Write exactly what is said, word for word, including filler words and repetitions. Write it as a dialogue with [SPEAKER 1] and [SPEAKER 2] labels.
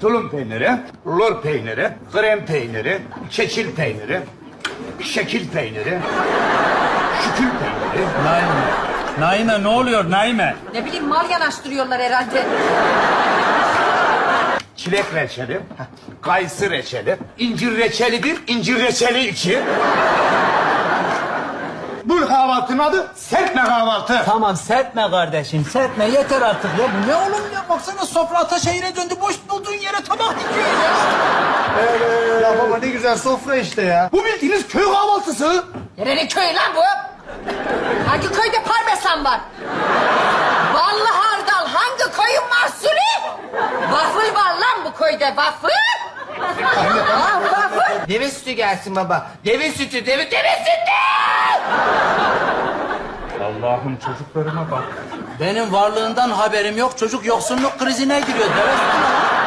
[SPEAKER 1] tulum peyniri, lor peyniri, krem peyniri, keçil peyniri, şekil peyniri, şükül peyniri.
[SPEAKER 2] Naime. Naime ne oluyor Naime?
[SPEAKER 3] Ne bileyim mal yanaştırıyorlar herhalde.
[SPEAKER 1] Çilek reçeli, kayısı reçeli, incir reçeli bir, incir reçeli iki. Bu kahvaltının adı serpme kahvaltı.
[SPEAKER 2] Tamam serpme kardeşim serpme yeter artık ya. Bu ne oğlum ya? Baksana sofra Ataşehir'e döndü. Boş bulduğun yere tabak dikiyor ya.
[SPEAKER 4] Evet. Ya baba ne güzel sofra işte ya.
[SPEAKER 1] Bu bildiğiniz köy kahvaltısı.
[SPEAKER 3] Nerenin köyü lan bu? Hangi köyde parmesan var? Ballı hardal hangi köyün mahsulü? Waffle var lan bu köyde waffle. Aa, waffle.
[SPEAKER 5] Deve sütü gelsin baba. Deve sütü, deve, deve sütü!
[SPEAKER 2] Allah'ım çocuklarıma bak. Benim varlığından haberim yok. Çocuk yoksunluk krizine giriyor. Deve sütü ne lan?